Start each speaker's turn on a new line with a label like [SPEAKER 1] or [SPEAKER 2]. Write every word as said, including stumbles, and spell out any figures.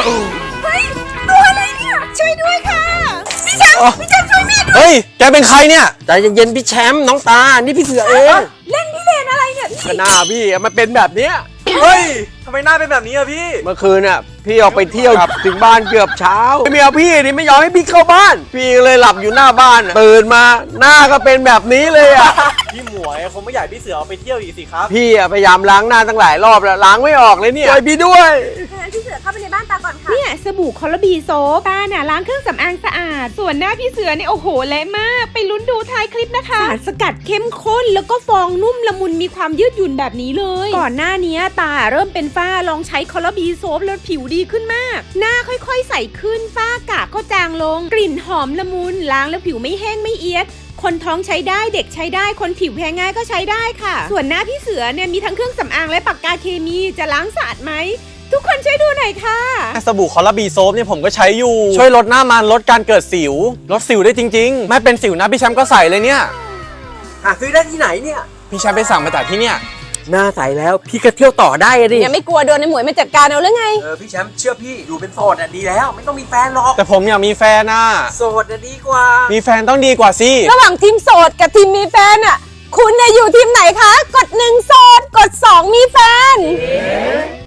[SPEAKER 1] เฮ้ยตัวอะไรเนี่ยช่วยด้วยค่ะพี่แชมป์พี่แชมป์ช่วยแม่ด้วย
[SPEAKER 2] เฮ้ยแกเป็นใครเนี่ยใจเย็นๆพี่แชมป์น้องตานี่พี่เสือเอง
[SPEAKER 1] เล่นพี่เลนอะไรเนี่ยพี่
[SPEAKER 2] ก็หน้าพี่มันเป็นแบบเนี้ย
[SPEAKER 3] เฮ้ยทำไมหน้าเป็นแบบนี้อะพี่
[SPEAKER 2] เมื่อคืนน่ะพี่ออกไปเที่ยวถึงบ้านเกือบเช้าเมียพี่นี่ไม่ยอมให้พี่เข้าบ้าน พี่เลยหลับอยู่หน้าบ้านตื่นมาหน้าก็เป็นแบบนี้เลยอ่ะ
[SPEAKER 3] พี่หมวยคงไม่อยากพี่เสือเอาไปเที่ยวอีกสิครับ
[SPEAKER 2] พี่อะพยายามล้างหน้าตั้งหลายรอบแล้วล้างไม่ออกเลยเนี่ยช่วยพี่ด้วย
[SPEAKER 1] งั้นพี่เสือเข้าไปในบ้านตาก่อนค่ะ
[SPEAKER 4] เนี่ยสบู่คอลลาบีโซฟตาน่ะล้างเครื่องสำอางสะอาด ส่วนหน้าพี่เสือเนี่ยโอ้โหเละมาก ไปลุ้นดูท้ายคลิปนะคะสารสกัดเข้มข้นแล้วก็ฟองนุ่มละมุนมีความยืดหยุ่นแบบนี้เลย ก่อนหน้านี้ตาเริ่มเป็นฝ้าลองใช้คอลลาบีโซฟแล้วผิวดีขึ้นมาก หน้าค่อยๆใสขึ้นฝ้ากระก็จางลง กลิ่นหอมละมุนล้างแล้วผิวไม่แห้งไม่เอียดคนท้องใช้ได้เด็กใช้ได้คนผิวแพ้ง่ายก็ใช้ได้ค่ะ ส่วนหน้าพี่เสือเนี่ยมีทั้งเครื่องสำอางและปากกาเคมีจะล้างสะอาดไหมทุกคนช่วยดูหน่อยค่ะ
[SPEAKER 3] สบู่คอลลาบีโซฟเนี่ยผมก็ใช้อยู่ช่วยลดหน้ามันลดการเกิดสิวลดสิวได้จริงๆไม่เป็นสิวนะพี่แชมป์ก็ใส่เลยเนี่ย
[SPEAKER 2] หาซื้อได้ที่ไหนเนี่ย
[SPEAKER 3] พี่แชมป์ไปสั่งมาจากที่เนี่ย
[SPEAKER 2] หน้าใสแล้วพี่ก็เที่ยวต่อได้อะดิ
[SPEAKER 1] ยังไม่กลัวโดนในหมวยมาจัดการเอาหรือไง
[SPEAKER 2] เออพี่แชมป์เชื่อพี่อยู่เป็นโสดอ่ะดีแล้วไม่ต้องมีแฟนหรอก
[SPEAKER 3] แต่ผมอยากมีแฟนน่ะ
[SPEAKER 2] โสดอ่ะดีกว่า
[SPEAKER 3] มีแฟนต้องดีกว่าสิ
[SPEAKER 1] ระหว่างทีมโสดกับทีมมีแฟนอ่ะคุณเนี่ยอยู่ทีมไหนคะกดหนึ่งโสดกดสองมีแฟน